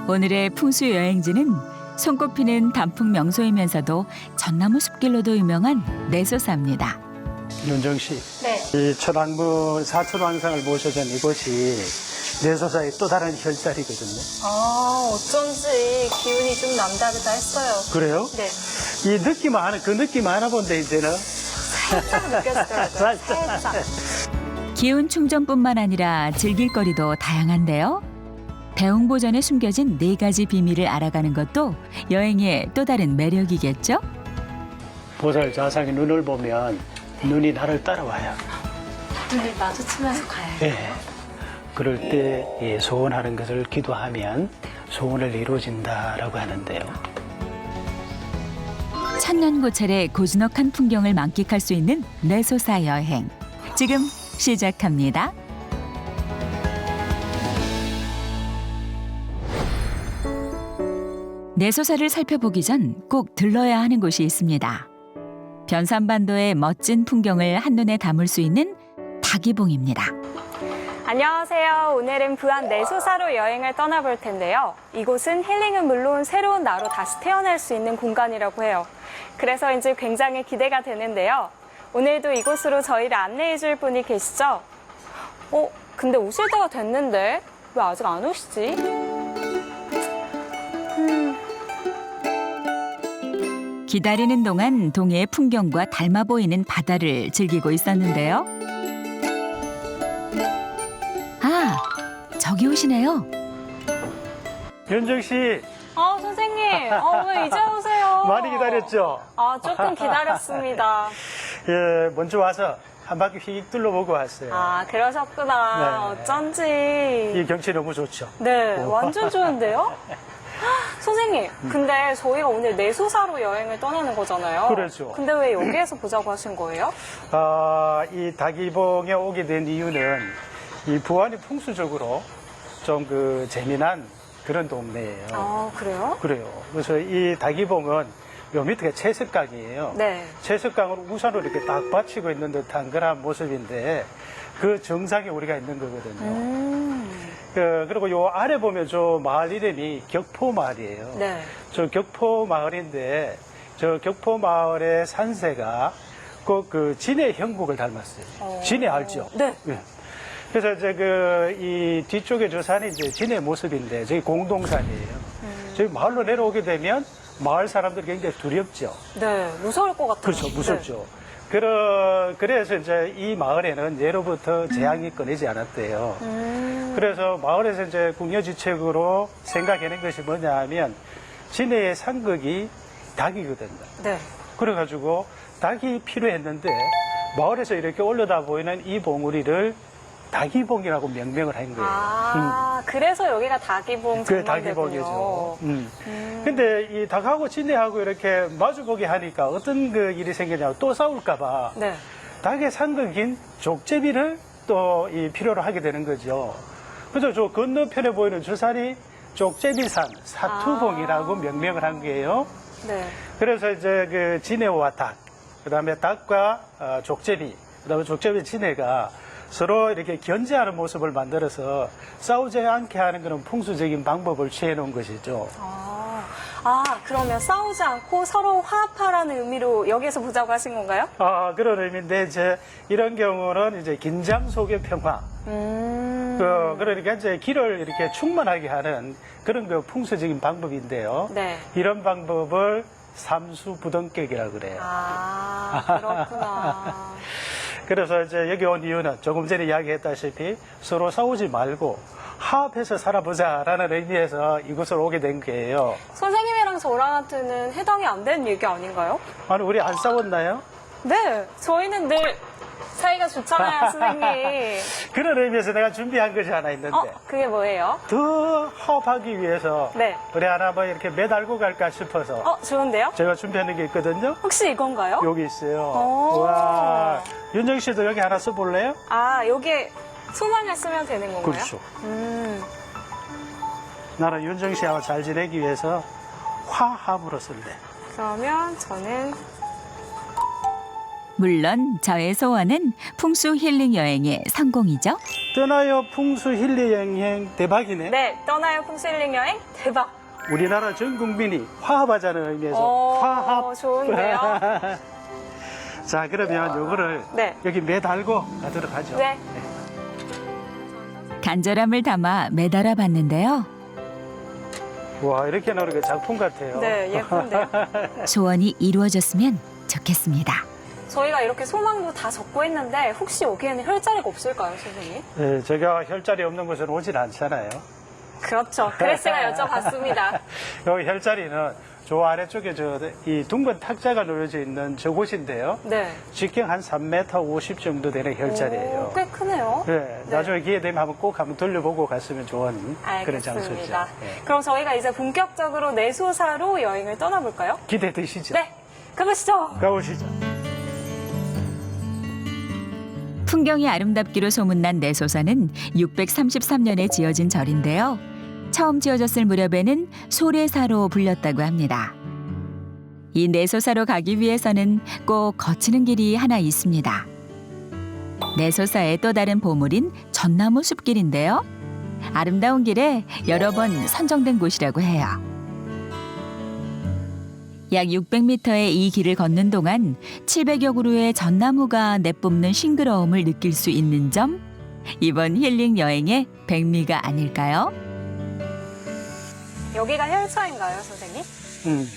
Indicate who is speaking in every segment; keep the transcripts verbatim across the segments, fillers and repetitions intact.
Speaker 1: 오늘의 풍수 여행지는 손꼽히는 단풍 명소이면서도 전나무 숲길로도 유명한 내소사입니다.
Speaker 2: 윤정 씨,
Speaker 3: 네.
Speaker 2: 이 천왕문 사천왕상을 모셔준 이곳이 내소사의 또 다른 혈자리거든요.
Speaker 3: 아, 어쩐지 기운이 좀 남다르다 했어요.
Speaker 2: 그래요?
Speaker 3: 네.
Speaker 2: 이 느낌 하나, 그 느낌 하나 본데 이제는
Speaker 3: 살짝 느껴지더라고요. 살짝.
Speaker 1: 기운 충전뿐만 아니라 즐길 거리도 다양한데요. 대웅보전에 숨겨진 네 가지 비밀을 알아가는 것도 여행의 또 다른 매력이겠죠?
Speaker 2: 보살 자상의 눈을 보면 눈이 나를 따라와요.
Speaker 3: 눈을 마주치면서 가요.
Speaker 2: 예. 그럴 때 예, 소원하는 것을 기도하면 소원을 이루어진다라고 하는데요.
Speaker 1: 천년고찰의 고즈넉한 풍경을 만끽할 수 있는 내소사 여행. 지금 시작합니다. 내소사를 살펴보기 전 꼭 들러야 하는 곳이 있습니다. 변산반도의 멋진 풍경을 한눈에 담을 수 있는 다기봉입니다.
Speaker 3: 안녕하세요. 오늘은 부안 내소사로 여행을 떠나볼 텐데요. 이곳은 힐링은 물론 새로운 나로 다시 태어날 수 있는 공간이라고 해요. 그래서인지 굉장히 기대가 되는데요. 오늘도 이곳으로 저희를 안내해 줄 분이 계시죠? 어, 근데 오실 때가 됐는데 왜 아직 안 오시지? 음.
Speaker 1: 기다리는 동안 동해의 풍경과 닮아 보이는 바다를 즐기고 있었는데요. 아, 저기 오시네요.
Speaker 2: 윤정 씨,
Speaker 3: 아, 선생님. 어, 왜 이제 오세요?
Speaker 2: 많이 기다렸죠?
Speaker 3: 아, 조금 기다렸습니다.
Speaker 2: 예, 먼저 와서 한 바퀴 휙 둘러보고 왔어요.
Speaker 3: 아, 그러셨구나.
Speaker 2: 네.
Speaker 3: 어쩐지.
Speaker 2: 이 경치 너무 좋죠?
Speaker 3: 네, 완전 좋은데요? 선생님, 근데 저희가 오늘 내소사로 여행을 떠나는 거잖아요.
Speaker 2: 그렇죠.
Speaker 3: 근데 왜 여기에서 보자고 하신 거예요?
Speaker 2: 아, 이 다기봉에 오게 된 이유는 이 부안이 풍수적으로 좀 그 재미난 그런 동네예요.
Speaker 3: 아, 그래요?
Speaker 2: 그래요. 그래서 이 다기봉은 요 밑에가 채석강이에요.
Speaker 3: 네.
Speaker 2: 채석강을 우산으로 이렇게 딱 받치고 있는 듯한 그런 모습인데 그 정상에 우리가 있는 거거든요.
Speaker 3: 음.
Speaker 2: 그, 그리고 요 아래 보면 저 마을 이름이 격포마을이에요.
Speaker 3: 네.
Speaker 2: 저 격포마을인데 저 격포마을의 산세가 꼭 그 진해 형국을 닮았어요.
Speaker 3: 어.
Speaker 2: 진해 알죠?
Speaker 3: 네.
Speaker 2: 예. 그래서 이제 그 이 뒤쪽에 저 산이 이제 진해 모습인데 저기 공동산이에요.
Speaker 3: 음.
Speaker 2: 저기 마을로 내려오게 되면 마을 사람들이 굉장히 두렵죠.
Speaker 3: 네, 무서울 것 같아요.
Speaker 2: 그렇죠, 무섭죠. 그러, 그래서 이제 이 마을에는 예로부터 재앙이 끊이지 않았대요.
Speaker 3: 음.
Speaker 2: 그래서 마을에서 이제 궁여지책으로 생각해낸 것이 뭐냐 하면 진해의 상극이 닭이거든요.
Speaker 3: 네.
Speaker 2: 그래가지고 닭이 필요했는데 마을에서 이렇게 올려다 보이는 이 봉우리를 다기봉이라고 명명을 한 거예요.
Speaker 3: 아, 그래서 여기가 다기봉
Speaker 2: 그게
Speaker 3: 전망대군요.
Speaker 2: 다기봉이죠. 음.
Speaker 3: 음.
Speaker 2: 근데 이 닭하고 진해하고 이렇게 마주보게 하니까 어떤 그 일이 생기냐면 또 싸울까봐
Speaker 3: 네.
Speaker 2: 닭의 상극인 족제비를 또 이 필요로 하게 되는 거죠. 그래서 저 건너편에 보이는 저 산이 족제비산 사투봉이라고
Speaker 3: 아.
Speaker 2: 명명을 한 거예요.
Speaker 3: 네.
Speaker 2: 그래서 이제 그 진해와 닭, 그 다음에 닭과 어, 족제비, 그 다음에 족제비 진해가 서로 이렇게 견제하는 모습을 만들어서 싸우지 않게 하는 그런 풍수적인 방법을 취해 놓은 것이죠.
Speaker 3: 아, 아, 그러면 싸우지 않고 서로 화합하라는 의미로 여기에서 보자고 하신 건가요?
Speaker 2: 아, 그런 의미인데, 이제 이런 경우는 이제 긴장 속의 평화.
Speaker 3: 음.
Speaker 2: 그, 그러니까 이제 길을 이렇게 충만하게 하는 그런 그 풍수적인 방법인데요.
Speaker 3: 네.
Speaker 2: 이런 방법을 삼수부등격이라고 그래요.
Speaker 3: 아, 그렇구나.
Speaker 2: 그래서 이제 여기 온 이유는 조금 전에 이야기했다시피 서로 싸우지 말고 화합해서 살아보자라는 의미에서 이곳을 오게 된 거예요.
Speaker 3: 선생님이랑 저랑한테는 해당이 안 되는 얘기 아닌가요?
Speaker 2: 아니, 우리 안 싸웠나요?
Speaker 3: 네, 저희는 늘 사이가 좋잖아요, 선생님.
Speaker 2: 그런 의미에서 내가 준비한 것이 하나 있는데
Speaker 3: 어, 그게 뭐예요?
Speaker 2: 더 화합하기 위해서
Speaker 3: 네.
Speaker 2: 우리 하나 뭐 이렇게 매달고 갈까 싶어서
Speaker 3: 어, 좋은데요?
Speaker 2: 제가 준비하는 게 있거든요.
Speaker 3: 혹시 이건가요?
Speaker 2: 여기 있어요.
Speaker 3: 오.
Speaker 2: 와, 윤정 씨도 여기 하나 써볼래요?
Speaker 3: 아, 여기에 소망을 쓰면 되는 건가요?
Speaker 2: 그렇죠.
Speaker 3: 음.
Speaker 2: 나는 윤정 씨하고 잘 지내기 위해서 화합으로 쓸래.
Speaker 3: 그러면 저는
Speaker 1: 물론 저의 소원은 풍수 힐링 여행의 성공이죠.
Speaker 2: 떠나요 풍수 힐링 여행 대박이네.
Speaker 3: 네, 떠나요 풍수 힐링 여행 대박.
Speaker 2: 우리나라 전 국민이 화합하자는 의미에서
Speaker 3: 오,
Speaker 2: 화합.
Speaker 3: 좋은데요?
Speaker 2: 자, 그러면 요거를
Speaker 3: 네.
Speaker 2: 여기 매달고 가도록 하죠.
Speaker 3: 네.
Speaker 1: 간절함을 담아 매달아 봤는데요.
Speaker 2: 와, 이렇게 나오는 게 작품 같아요.
Speaker 3: 네, 예쁜데요?
Speaker 1: 소원이 이루어졌으면 좋겠습니다.
Speaker 3: 저희가 이렇게 소망도 다 적고 했는데 혹시 여기에는 혈자리가 없을까요, 선생님?
Speaker 2: 네, 제가 혈자리 없는 곳은 오질 않잖아요.
Speaker 3: 그렇죠. 그래서 제가 여쭤봤습니다.
Speaker 2: 여기 혈자리는 저 아래쪽에 저 이 둥근 탁자가 놓여져 있는 저곳인데요.
Speaker 3: 네.
Speaker 2: 직경 한 삼 미터 오십 정도 되는 혈자리예요.
Speaker 3: 오, 꽤 크네요.
Speaker 2: 네,
Speaker 3: 네.
Speaker 2: 나중에 기회 되면 한번 꼭 한번 돌려보고 갔으면 좋은 그런 장소죠.
Speaker 3: 알겠습니다.
Speaker 2: 네.
Speaker 3: 그럼 저희가 이제 본격적으로 내소사로 여행을 떠나볼까요?
Speaker 2: 기대되시죠?
Speaker 3: 네, 가보시죠.
Speaker 2: 가보시죠.
Speaker 1: 풍경이 아름답기로 소문난 내소사는 육백삼십삼 년에 지어진 절인데요. 처음 지어졌을 무렵에는 소래사로 불렸다고 합니다. 이 내소사로 가기 위해서는 꼭 거치는 길이 하나 있습니다. 내소사의 또 다른 보물인 전나무 숲길인데요. 아름다운 길에 여러 번 선정된 곳이라고 해요. 약 육백 미터의 이 길을 걷는 동안 칠백여 그루의 전나무가 내뿜는 싱그러움을 느낄 수 있는 점, 이번 힐링 여행의 백미가 아닐까요?
Speaker 3: 여기가 혈처인가요, 선생님?
Speaker 2: 음,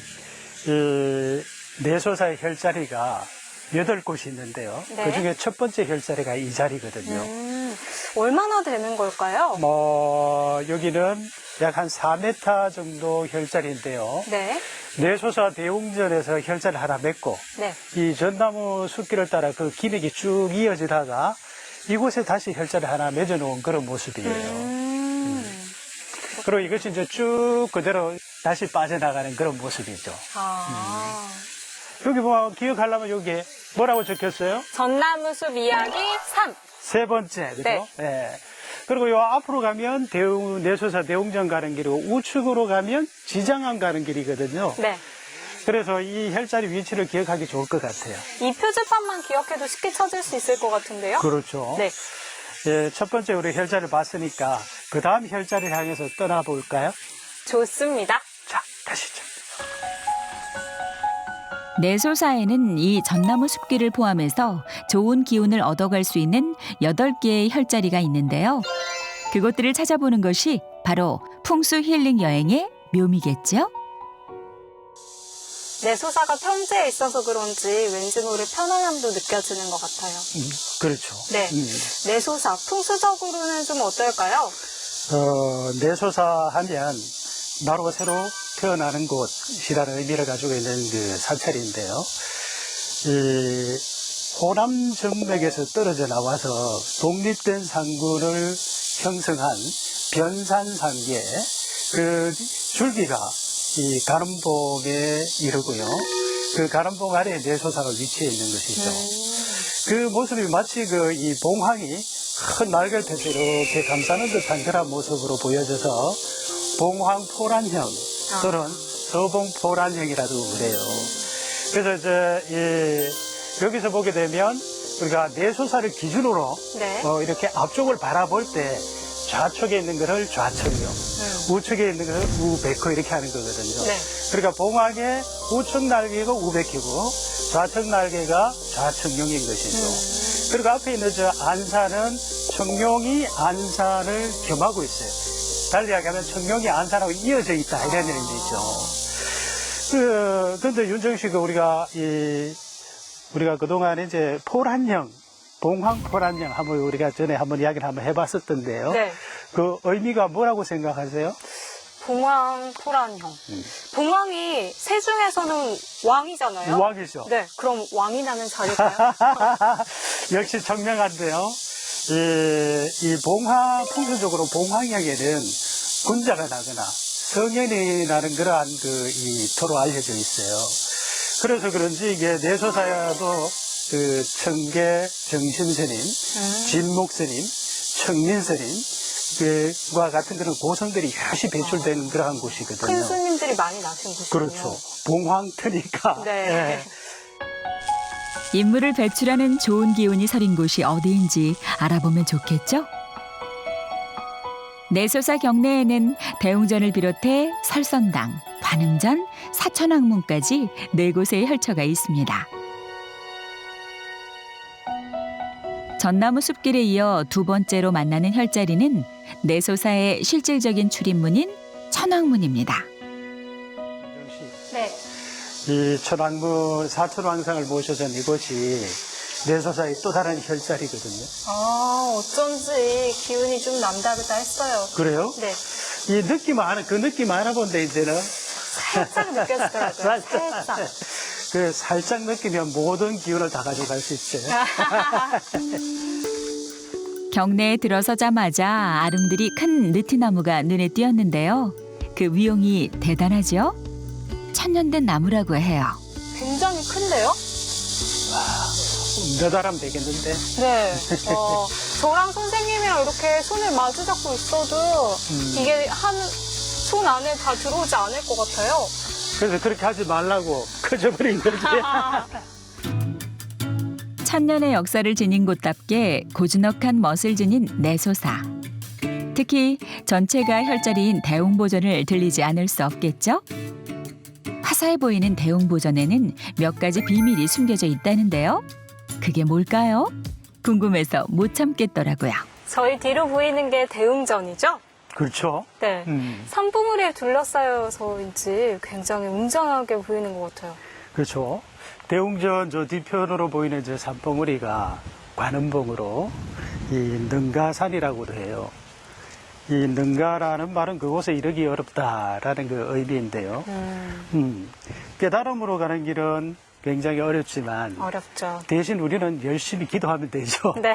Speaker 2: 이 내소사의 혈자리가 여덟 곳이 있는데요.
Speaker 3: 네.
Speaker 2: 그중에 첫 번째 혈자리가 이 자리거든요.
Speaker 3: 음, 얼마나 되는 걸까요?
Speaker 2: 뭐 여기는 약 한 사 미터 정도 혈자리인데요.
Speaker 3: 네.
Speaker 2: 내소사 대웅전에서 혈자리 하나 맺고
Speaker 3: 네.
Speaker 2: 이 전나무 숲길을 따라 그 기맥이 쭉 이어지다가 이곳에 다시 혈자리 하나 맺어놓은 그런 모습이에요.
Speaker 3: 음.
Speaker 2: 그리고 이것이 이제 쭉 그대로 다시 빠져나가는 그런 모습이죠.
Speaker 3: 아.
Speaker 2: 여기 뭐 기억하려면 여기에 뭐라고 적혔어요?
Speaker 3: 전나무숲 이야기 삼.
Speaker 2: 세 번째, 그죠?
Speaker 3: 네.
Speaker 2: 네. 그리고 요 앞으로 가면 대웅, 내소사 대웅전 가는 길이고 우측으로 가면 지장암 가는 길이거든요.
Speaker 3: 네.
Speaker 2: 그래서 이 혈자리 위치를 기억하기 좋을 것 같아요.
Speaker 3: 이 표지판만 기억해도 쉽게 찾을 수 있을 것 같은데요?
Speaker 2: 그렇죠.
Speaker 3: 네.
Speaker 2: 예, 첫 번째 우리 혈자리를 봤으니까 그 다음 혈자리를 향해서 떠나볼까요?
Speaker 3: 좋습니다.
Speaker 2: 자, 가시죠.
Speaker 1: 내소사에는 이 전나무 숲길을 포함해서 좋은 기운을 얻어갈 수 있는 여덟 개의 혈자리가 있는데요. 그것들을 찾아보는 것이 바로 풍수 힐링 여행의 묘미겠죠?
Speaker 3: 내소사가 평지에 있어서 그런지 왠지 모를 편안함도 느껴지는 것 같아요.
Speaker 2: 음, 그렇죠.
Speaker 3: 네.
Speaker 2: 음.
Speaker 3: 내소사, 풍수적으로는 좀 어떨까요?
Speaker 2: 어, 내소사 하면 나로 새로 태어나는 곳이라는 의미를 가지고 있는 그 사찰인데요. 이 호남 정맥에서 떨어져 나와서 독립된 상구를 형성한 변산상계 그 줄기가 이 가름봉에 이르고요. 그 가름봉 아래에 내소사가 위치해 있는 것이죠. 그 모습이 마치 그 이 봉황이 큰 날개를 펴서 이렇게 감싸는 듯한 그런 모습으로 보여져서 봉황포란형 또는 서봉포란형이라도 그래요. 그래서 이제 이 여기서 보게 되면 우리가 내소사를 기준으로
Speaker 3: 네.
Speaker 2: 어, 이렇게 앞쪽을 바라볼 때 좌측에 있는 것을 좌측형,
Speaker 3: 음.
Speaker 2: 우측에 있는 것을 우백호 이렇게 하는 거거든요.
Speaker 3: 네.
Speaker 2: 그러니까 봉황의 우측 날개가 우백희고 좌측 날개가 좌측용인 것이죠.
Speaker 3: 음.
Speaker 2: 그리고 앞에 있는 저 안산은 청룡이 안산을 겸하고 있어요. 달리 이야기하면 청룡이 안산하고 이어져 있다 이런 의미죠. 그 근데 윤정씨가 우리가 이 우리가 그동안 이제 포란형, 봉황 포란형 한번 우리가 전에 한번 이야기를 한번 해봤었던데요.
Speaker 3: 네.
Speaker 2: 그 의미가 뭐라고 생각하세요?
Speaker 3: 봉황, 토란형.
Speaker 2: 음.
Speaker 3: 봉황이 새 중에서는 왕이잖아요.
Speaker 2: 왕이죠.
Speaker 3: 네, 그럼 왕이 나는 자리일까요?
Speaker 2: 역시 청명한데요. 이, 이 봉황, 풍수적으로 봉황형에는 군자가 나거나 성현이 나는 그러한 그, 이, 토로 알려져 있어요. 그래서 그런지 이게 내소사야도 그 청계 정신스님,
Speaker 3: 음.
Speaker 2: 진목스님, 청민스님, 그와 같은 그런 고성들이 여럿이 배출된 그러한 곳이거든요.
Speaker 3: 큰 스님들이 많이 나신 곳이군요.
Speaker 2: 그렇죠. 봉황터니까.
Speaker 3: 네.
Speaker 2: 예.
Speaker 1: 인물을 배출하는 좋은 기운이 서린 곳이 어디인지 알아보면 좋겠죠? 내소사 경내에는 대웅전을 비롯해 설선당, 관음전, 사천왕문까지 네 곳의 혈처가 있습니다. 전나무 숲길에 이어 두 번째로 만나는 혈자리는 내소사의 실질적인 출입문인 천왕문입니다.
Speaker 3: 네.
Speaker 2: 이 천왕문 사천왕상을 모셔선 이곳이 내소사의 또 다른 혈자리거든요.
Speaker 3: 아, 어쩐지 기운이 좀 남다르다 했어요.
Speaker 2: 그래요?
Speaker 3: 네.
Speaker 2: 이 느낌 알아, 그 느낌 알아본데 이제는
Speaker 3: 살짝 느껴지더라고요. 살짝.
Speaker 2: 그 살짝 느끼면 모든 기운을 다 가져갈 수 있어요.
Speaker 1: 경내에 들어서자마자 아름드리 큰 느티나무가 눈에 띄었는데요. 그 위용이 대단하죠? 천년된 나무라고 해요.
Speaker 3: 굉장히 큰데요?
Speaker 2: 몇 알람 되겠는데?
Speaker 3: 네. 어, 저랑 선생님이랑 이렇게 손을 마주 잡고 있어도
Speaker 2: 음.
Speaker 3: 이게 한 손 안에 다 들어오지 않을 것 같아요.
Speaker 2: 그래서 그렇게 하지 말라고 커져버린 거지.
Speaker 1: 천년의 역사를 지닌 곳답게 고즈넉한 멋을 지닌 내소사. 특히 전체가 혈자리인 대웅보전을 들리지 않을 수 없겠죠? 화사해 보이는 대웅보전에는 몇 가지 비밀이 숨겨져 있다는데요. 그게 뭘까요? 궁금해서 못 참겠더라고요.
Speaker 3: 저희 뒤로 보이는 게 대웅전이죠?
Speaker 2: 그렇죠.
Speaker 3: 네.
Speaker 2: 음.
Speaker 3: 산봉우리에 둘러싸여서인지 굉장히 웅장하게 보이는 것 같아요.
Speaker 2: 그렇죠. 대웅전 저 뒤편으로 보이는 저 산봉우리가 관음봉으로 이 능가산이라고도 해요. 이 능가라는 말은 그곳에 이르기 어렵다라는 그 의미인데요.
Speaker 3: 음,
Speaker 2: 음. 깨달음으로 가는 길은 굉장히 어렵지만
Speaker 3: 어렵죠.
Speaker 2: 대신 우리는 열심히 기도하면 되죠.
Speaker 3: 네.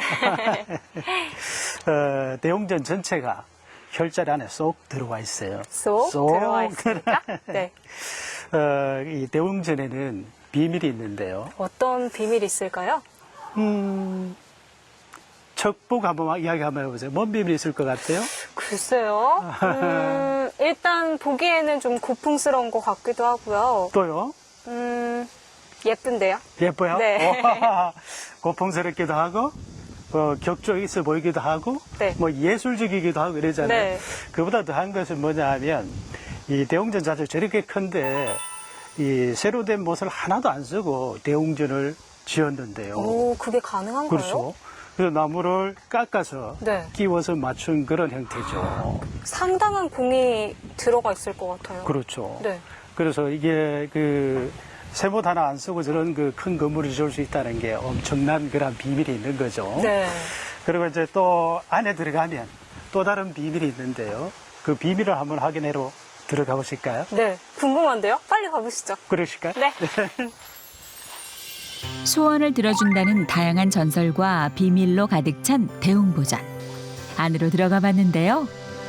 Speaker 2: 어, 대웅전 전체가 혈자리 안에 쏙 들어와 있어요.
Speaker 3: 쏙, 들어와 있습니까? 네.
Speaker 2: 어, 이 대웅전에는 비밀이 있는데요.
Speaker 3: 어떤 비밀이 있을까요?
Speaker 2: 음, 척복 한번 이야기 한번 해보세요. 뭔 비밀이 있을 것 같아요?
Speaker 3: 글쎄요. 음, 일단 보기에는 좀 고풍스러운 것 같기도 하고요.
Speaker 2: 또요?
Speaker 3: 음, 예쁜데요?
Speaker 2: 예뻐요?
Speaker 3: 네.
Speaker 2: 고풍스럽기도 하고, 어, 격조 있어 보이기도 하고,
Speaker 3: 네.
Speaker 2: 뭐 예술적이기도 하고 이러잖아요.
Speaker 3: 네.
Speaker 2: 그보다 더한 것은 뭐냐 하면, 이 대웅전 자체가 저렇게 큰데, 이 새로 된 못을 하나도 안 쓰고 대웅전을 지었는데요.
Speaker 3: 오, 그게 가능한가요?
Speaker 2: 그렇죠. 그래서 나무를 깎아서
Speaker 3: 네.
Speaker 2: 끼워서 맞춘 그런 형태죠.
Speaker 3: 상당한 공이 들어가 있을 것 같아요.
Speaker 2: 그렇죠.
Speaker 3: 네.
Speaker 2: 그래서 이게 그 새못 하나 안 쓰고 저런 그 큰 건물을 지을 수 있다는 게 엄청난 그런 비밀이 있는 거죠.
Speaker 3: 네.
Speaker 2: 그리고 이제 또 안에 들어가면 또 다른 비밀이 있는데요. 그 비밀을 한번 확인하러 들어가 보실까요?
Speaker 3: 네. 궁금한데요? 빨리 가보시죠.
Speaker 2: 그러실까요?
Speaker 3: 네.
Speaker 1: 소원을 들어준다는 다양한 전설과 비밀로 가득 찬 대웅보전. 안으로 들어가 봤는데요.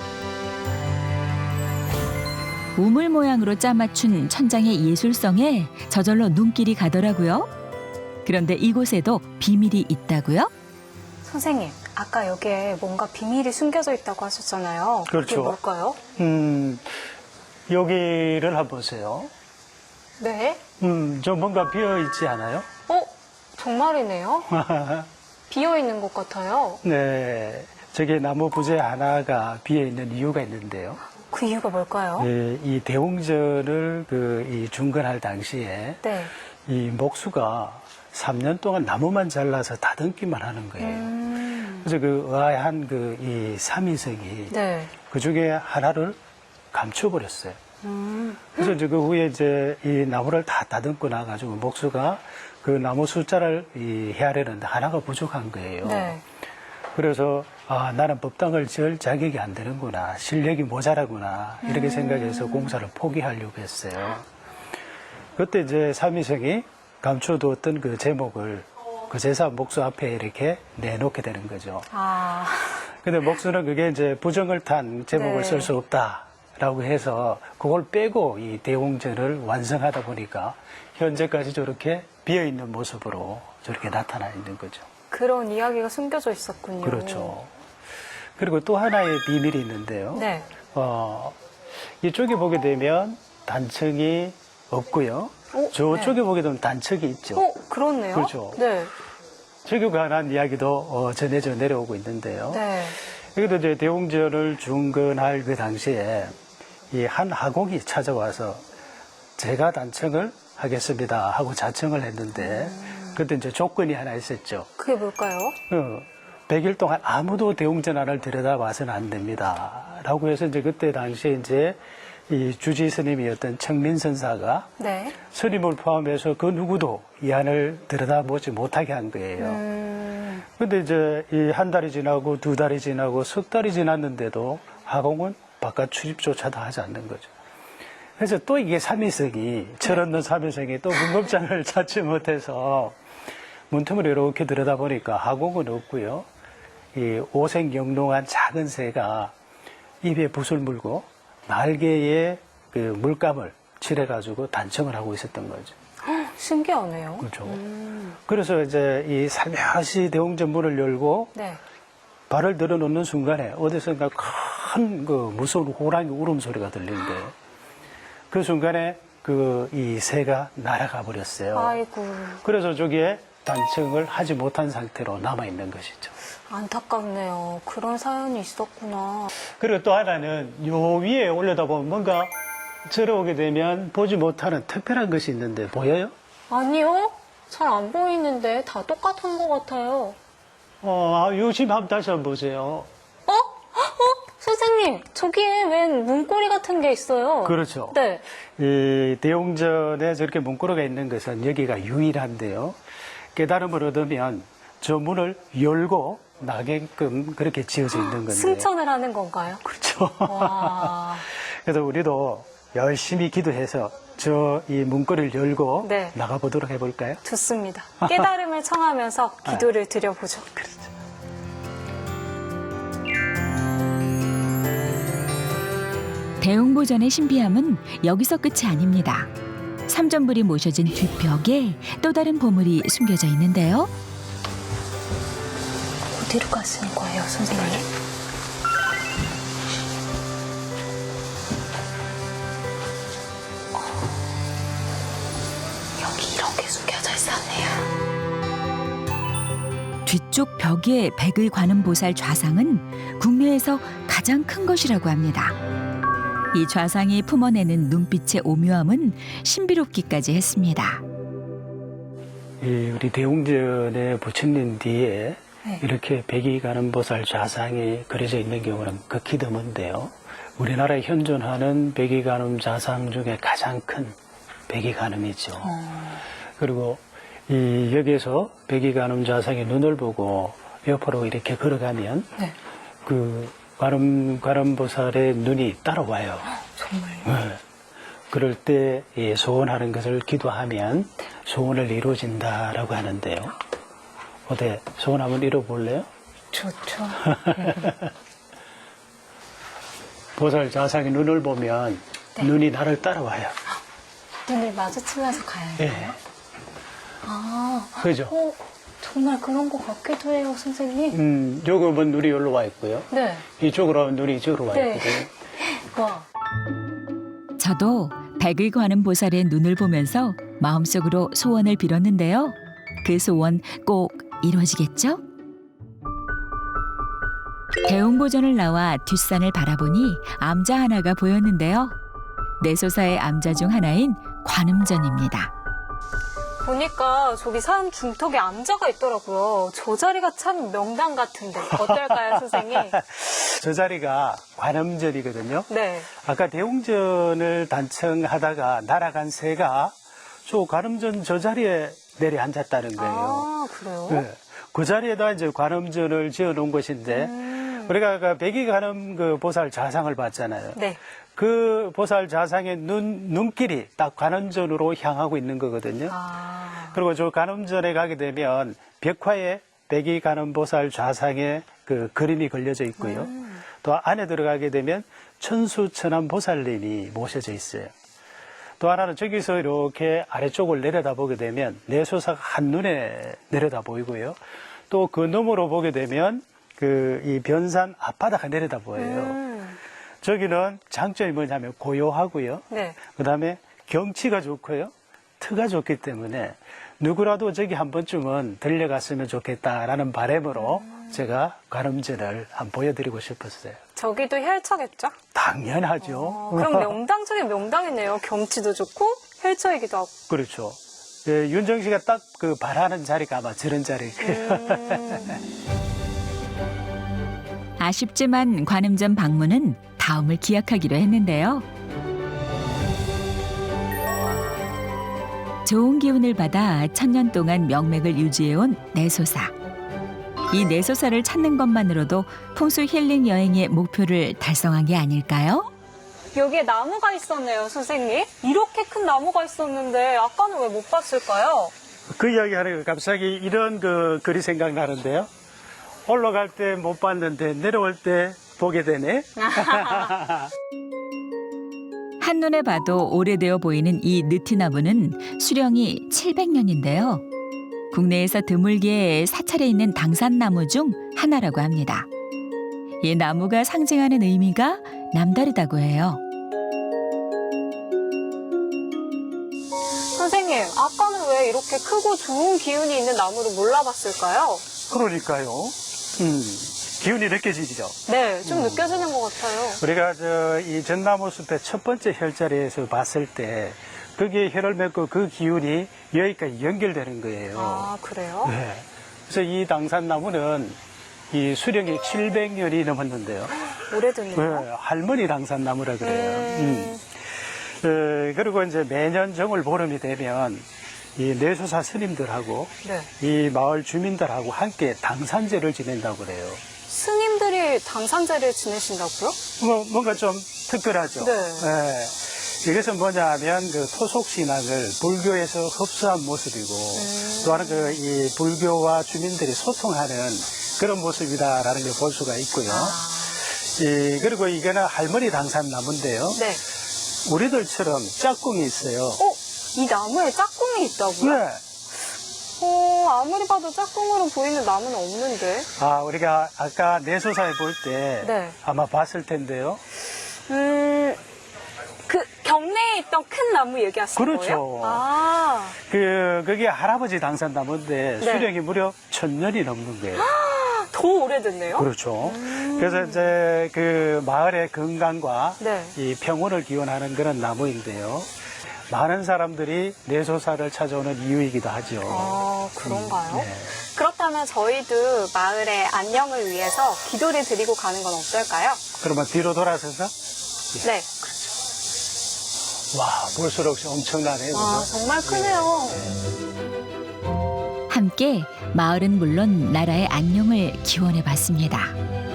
Speaker 1: 우물 모양으로 짜맞춘 천장의 예술성에 저절로 눈길이 가더라고요. 그런데 이곳에도 비밀이 있다고요?
Speaker 3: 선생님, 아까 여기에 뭔가 비밀이 숨겨져 있다고 하셨잖아요.
Speaker 2: 그렇죠.
Speaker 3: 그게 뭘까요?
Speaker 2: 음, 여기를 한번 보세요.
Speaker 3: 네.
Speaker 2: 음, 좀 뭔가 비어 있지 않아요?
Speaker 3: 어? 정말이네요. 비어 있는 것 같아요.
Speaker 2: 네. 저게 나무 부재 하나가 비어 있는 이유가 있는데요.
Speaker 3: 그 이유가 뭘까요?
Speaker 2: 네, 이 대웅전을 그 이 중건할 당시에
Speaker 3: 네.
Speaker 2: 이 목수가 삼 년 동안 나무만 잘라서 다듬기만 하는 거예요.
Speaker 3: 음.
Speaker 2: 그래서 그 의아한 그 이 삼위석이
Speaker 3: 네.
Speaker 2: 그 중에 하나를 감춰버렸어요.
Speaker 3: 음.
Speaker 2: 그래서 이제 그 후에 이제 이 나무를 다 다듬고 나가지고 목수가 그 나무 숫자를 이 헤아려는데 하나가 부족한 거예요.
Speaker 3: 네.
Speaker 2: 그래서 아 나는 법당을 지을 자격이 안 되는구나, 실력이 모자라구나 이렇게
Speaker 3: 음.
Speaker 2: 생각해서 공사를 포기하려고 했어요. 그때 이제 삼위성이 감춰두었던 그 제목을 그 제사 목수 앞에 이렇게 내놓게 되는 거죠.
Speaker 3: 아.
Speaker 2: 근데 목수는 그게 이제 부정을 탄 제목을
Speaker 3: 네.
Speaker 2: 쓸 수 없다라고 해서 그걸 빼고 이 대웅전을 완성하다 보니까 현재까지 저렇게 비어있는 모습으로 저렇게 나타나 있는 거죠.
Speaker 3: 그런 이야기가 숨겨져 있었군요.
Speaker 2: 그렇죠. 그리고 또 하나의 비밀이 있는데요.
Speaker 3: 네.
Speaker 2: 어, 이쪽에 보게 되면 단층이 없고요.
Speaker 3: 어,
Speaker 2: 저쪽에 보게 되면 단층이 있죠.
Speaker 3: 어, 그렇네요.
Speaker 2: 그렇죠.
Speaker 3: 네.
Speaker 2: 저기 관한 이야기도 어, 전해져 내려오고 있는데요.
Speaker 3: 네.
Speaker 2: 그래도 이제 대웅전을 중건할 그 당시에 이 한 하공이 찾아와서 제가 단청을 하겠습니다 하고 자청을 했는데 그때 이제 조건이 하나 있었죠.
Speaker 3: 그게 뭘까요?
Speaker 2: 어, 백 일 동안 아무도 대웅전화를 들여다봐서는 안 됩니다. 라고 해서 이제 그때 당시에 이제 이 주지 스님이었던 청민선사가
Speaker 3: 네.
Speaker 2: 스님을 포함해서 그 누구도 이 안을 들여다보지 못하게 한 거예요.
Speaker 3: 음,
Speaker 2: 근데 이제 이 한 달이 지나고 두 달이 지나고 석 달이 지났는데도 하공은 바깥 출입조차도 하지 않는 거죠. 그래서 또 이게 삼위성이, 철없는 삼위성이 또 문급장을 찾지 못해서 문틈을 이렇게 들여다보니까 하공은 없고요. 이 오색영롱한 작은 새가 입에 붓을 물고 날개에 그 물감을 칠해가지고 단청을 하고 있었던 거죠.
Speaker 3: 신기하네요.
Speaker 2: 그렇죠.
Speaker 3: 음,
Speaker 2: 그래서 이제 이 살며시 대웅전 문을 열고
Speaker 3: 네.
Speaker 2: 발을 들어놓는 순간에 어디선가 큰 그 무서운 호랑이 울음소리가 들리는데 그 순간에 그 이 새가 날아가 버렸어요.
Speaker 3: 아이고,
Speaker 2: 그래서 저기에 단청을 하지 못한 상태로 남아있는 것이죠.
Speaker 3: 안타깝네요. 그런 사연이 있었구나.
Speaker 2: 그리고 또 하나는 요 위에 올려다보면 뭔가 들어오게 되면 보지 못하는 특별한 것이 있는데 보여요?
Speaker 3: 아니요? 잘 안 보이는데 다 똑같은 것 같아요.
Speaker 2: 어, 요 집 한번 다시 한번 보세요.
Speaker 3: 어? 어? 선생님, 저기에 웬 문고리 같은 게 있어요.
Speaker 2: 그렇죠.
Speaker 3: 네.
Speaker 2: 이 대웅전에 저렇게 문구로가 있는 것은 여기가 유일한데요. 깨달음을 얻으면 저 문을 열고 나게끔 그렇게 지어져 있는 건데.
Speaker 3: 승천을 하는 건가요?
Speaker 2: 그렇죠.
Speaker 3: 와.
Speaker 2: 그래서 우리도 열심히 기도해서 저 이 문고리를 열고
Speaker 3: 네.
Speaker 2: 나가보도록 해볼까요?
Speaker 3: 좋습니다. 깨달음을 청하면서 기도를 드려보죠.
Speaker 2: 그렇죠.
Speaker 1: 대웅보전의 신비함은 여기서 끝이 아닙니다. 삼전불이 모셔진 뒷벽에 또 다른 보물이 숨겨져 있는데요.
Speaker 3: 어디로 가시는 거예요, 선생님? 어, 여기 이렇게 숨겨져 있었네요.
Speaker 1: 뒤쪽 벽의 백의 관음보살 좌상은 국내에서 가장 큰 것이라고 합니다. 이 좌상이 품어내는 눈빛의 오묘함은 신비롭기까지 했습니다.
Speaker 2: 이 우리 대웅전의 부처님 뒤에
Speaker 3: 네.
Speaker 2: 이렇게 백이관음보살 좌상이 그려져 있는 경우는 극히 드문데요. 우리나라에 현존하는 백이관음 좌상 중에 가장 큰 백이관음이죠.
Speaker 3: 어.
Speaker 2: 그리고 이 여기에서 백이관음 좌상의 눈을 보고 옆으로 이렇게 걸어가면
Speaker 3: 네.
Speaker 2: 그 관음 관음보살의 눈이 따라와요.
Speaker 3: 정말요?
Speaker 2: 네. 그럴 때 이 소원하는 것을 기도하면 소원을 이루어진다라고 하는데요. 어때? 소원 한번 이뤄볼래요?
Speaker 3: 좋죠.
Speaker 2: 보살 좌상의 눈을 보면
Speaker 3: 네.
Speaker 2: 눈이 나를 따라와요.
Speaker 3: 눈을 마주치면서 가야 해요?
Speaker 2: 예.
Speaker 3: 아,
Speaker 2: 그죠?
Speaker 3: 어, 정말 그런 것 같기도 해요, 선생님.
Speaker 2: 음, 요거 보면 눈이 여기로 와 있고요.
Speaker 3: 네.
Speaker 2: 이쪽으로 하면 눈이 이쪽으로 와
Speaker 3: 네.
Speaker 2: 있거든요.
Speaker 3: 와.
Speaker 1: 저도 백의 관음보살의 눈을 보면서 마음속으로 소원을 빌었는데요. 그 소원 꼭 이루어지겠죠? 대웅보전을 나와 뒷산을 바라보니 암자 하나가 보였는데요. 내소사의 암자 중 하나인 관음전입니다.
Speaker 3: 보니까 저기 산 중턱에 암자가 있더라고요. 저 자리가 참 명당 같은데 어떨까요, 선생님?
Speaker 2: 저 자리가 관음전이거든요.
Speaker 3: 네.
Speaker 2: 아까 대웅전을 단청하다가 날아간 새가 저 관음전 저 자리에 내려 앉았다는 거예요.
Speaker 3: 아, 그래요?
Speaker 2: 네. 그 자리에다 이제 관음전을 지어 놓은 것인데,
Speaker 3: 음.
Speaker 2: 우리가 아까 백이 관음 그 보살 좌상을 봤잖아요.
Speaker 3: 네.
Speaker 2: 그 보살 좌상의 눈, 눈길이 딱 관음전으로 향하고 있는 거거든요.
Speaker 3: 아.
Speaker 2: 그리고 저 관음전에 가게 되면 벽화에 백이 관음 보살 좌상의 그 그림이 걸려져 있고요.
Speaker 3: 음.
Speaker 2: 또 안에 들어가게 되면 천수천안 보살님이 모셔져 있어요. 또 하나는 저기서 이렇게 아래쪽을 내려다 보게 되면 내소사가 한눈에 내려다 보이고요. 또 그 너머로 보게 되면 그 이 변산 앞바다가 내려다 보여요.
Speaker 3: 음.
Speaker 2: 저기는 장점이 뭐냐면 고요하고요.
Speaker 3: 네.
Speaker 2: 그 다음에 경치가 좋고요. 트가 좋기 때문에 누구라도 저기 한 번쯤은 들려갔으면 좋겠다라는 바람으로 제가 관음전을 한번 보여드리고 싶었어요.
Speaker 3: 저기도 혈처겠죠?
Speaker 2: 당연하죠.
Speaker 3: 어, 그럼 명당 중에 명당이네요. 경치도 좋고 혈처이기도 하고.
Speaker 2: 그렇죠. 예, 윤정 씨가 딱 그 바라는 자리가 아마 저런 자리일 거예요.
Speaker 3: 음.
Speaker 1: 아쉽지만 관음전 방문은 다음을 기약하기로 했는데요. 좋은 기운을 받아 천년 동안 명맥을 유지해온 내소사. 이 내소사를 찾는 것만으로도 풍수 힐링 여행의 목표를 달성한 게 아닐까요?
Speaker 3: 여기에 나무가 있었네요, 선생님. 이렇게 큰 나무가 있었는데 아까는 왜 못 봤을까요?
Speaker 2: 그 이야기 하니까 갑자기 이런 그 글이 생각나는데요. 올라갈 때 못 봤는데 내려올 때 보게 되네.
Speaker 1: 한눈에 봐도 오래되어 보이는 이 느티나무는 수령이 칠백 년인데요. 국내에서 드물게 사찰에 있는 당산나무 중 하나라고 합니다. 이 나무가 상징하는 의미가 남다르다고 해요.
Speaker 3: 선생님, 아까는 왜 이렇게 크고 좋은 기운이 있는 나무를 몰라봤을까요?
Speaker 2: 그러니까요. 음, 기운이 느껴지죠.
Speaker 3: 네, 좀 느껴지는 것 같아요.
Speaker 2: 우리가 저 이 전나무 숲의 첫 번째 혈자리에서 봤을 때 거기에 혈을 맺고 그 기운이 여기까지 연결되는 거예요.
Speaker 3: 아, 그래요?
Speaker 2: 네. 그래서 이 당산나무는 이 수령이 칠백 년이 넘었는데요.
Speaker 3: 오래됐네요.
Speaker 2: 네, 할머니 당산나무라 그래요.
Speaker 3: 음.
Speaker 2: 음. 어, 그리고 이제 매년 정월 보름이 되면 이 내소사 스님들하고
Speaker 3: 네.
Speaker 2: 이 마을 주민들하고 함께 당산제를 지낸다고 그래요.
Speaker 3: 스님들이 당산제를 지내신다고요?
Speaker 2: 뭐, 뭔가 좀 특별하죠.
Speaker 3: 네.
Speaker 2: 예. 이것은 뭐냐면 그 토속 신앙을 불교에서 흡수한 모습이고
Speaker 3: 음.
Speaker 2: 또한 그 이 불교와 주민들이 소통하는 그런 모습이다라는 걸 볼 수가 있고요.
Speaker 3: 아.
Speaker 2: 이, 그리고 이거는 할머니 당산나무인데요.
Speaker 3: 네.
Speaker 2: 우리들처럼 짝꿍이 있어요.
Speaker 3: 어? 이 나무에 짝꿍이 있다고요?
Speaker 2: 네.
Speaker 3: 어, 아무리 봐도 짝꿍으로 보이는 나무는 없는데.
Speaker 2: 아, 우리가 아까 내소사에 볼 때
Speaker 3: 네.
Speaker 2: 아마 봤을 텐데요.
Speaker 3: 음, 그 경내에 있던 큰 나무 얘기하시는
Speaker 2: 그렇죠.
Speaker 3: 거예요? 아,
Speaker 2: 그, 그게 할아버지 당산나무인데
Speaker 3: 네.
Speaker 2: 수령이 무려 천 년이 넘는 거예요.
Speaker 3: 더 오래됐네요?
Speaker 2: 그렇죠. 그래서 이제 그 마을의 건강과
Speaker 3: 네.
Speaker 2: 이 평온을 기원하는 그런 나무인데요. 많은 사람들이 내소사를 찾아오는 이유이기도 하죠.
Speaker 3: 아, 그런가요?
Speaker 2: 네.
Speaker 3: 그렇다면 저희도 마을의 안녕을 위해서 기도를 드리고 가는 건 어떨까요?
Speaker 2: 그러면 뒤로 돌아서서
Speaker 3: 네.
Speaker 2: 와, 볼수록 엄청나네요.
Speaker 3: 아,
Speaker 2: 그죠?
Speaker 3: 정말 크네요.
Speaker 1: 함께 마을은 물론 나라의 안녕을 기원해 봤습니다.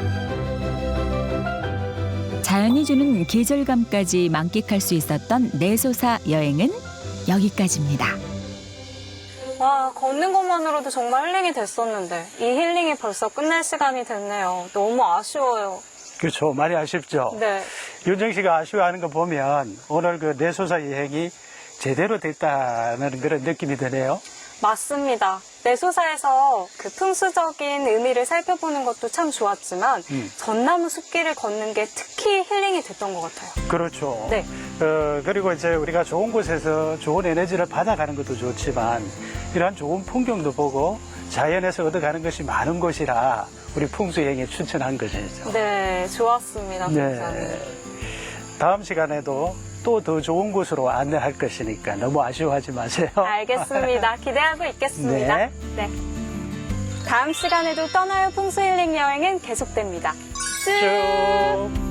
Speaker 1: 자연이 주는 계절감까지 만끽할 수 있었던 내소사 여행은 여기까지입니다.
Speaker 3: 와, 걷는 것만으로도 정말 힐링이 됐었는데 이 힐링이 벌써 끝날 시간이 됐네요. 너무 아쉬워요.
Speaker 2: 그렇죠. 많이 아쉽죠.
Speaker 3: 네.
Speaker 2: 윤정 씨가 아쉬워하는 거 보면 오늘 그 내소사 여행이 제대로 됐다는 그런 느낌이 드네요.
Speaker 3: 맞습니다. 내소사에서 그 풍수적인 의미를 살펴보는 것도 참 좋았지만
Speaker 2: 음.
Speaker 3: 전나무 숲길을 걷는 게 특히 힐링이 됐던 것 같아요.
Speaker 2: 그렇죠.
Speaker 3: 네.
Speaker 2: 어, 그리고 이제 우리가 좋은 곳에서 좋은 에너지를 받아가는 것도 좋지만 이러한 좋은 풍경도 보고 자연에서 얻어가는 것이 많은 곳이라 우리 풍수여행에 추천한 것이죠.
Speaker 3: 네, 좋았습니다. 굉장히.
Speaker 2: 네. 다음 시간에도 또 더 좋은 곳으로 안내할 것이니까 너무 아쉬워하지 마세요.
Speaker 3: 알겠습니다. 기대하고 있겠습니다.
Speaker 2: 네.
Speaker 3: 네. 다음 시간에도 떠나요 풍수 힐링 여행은 계속됩니다. 쭉.
Speaker 2: 쭉.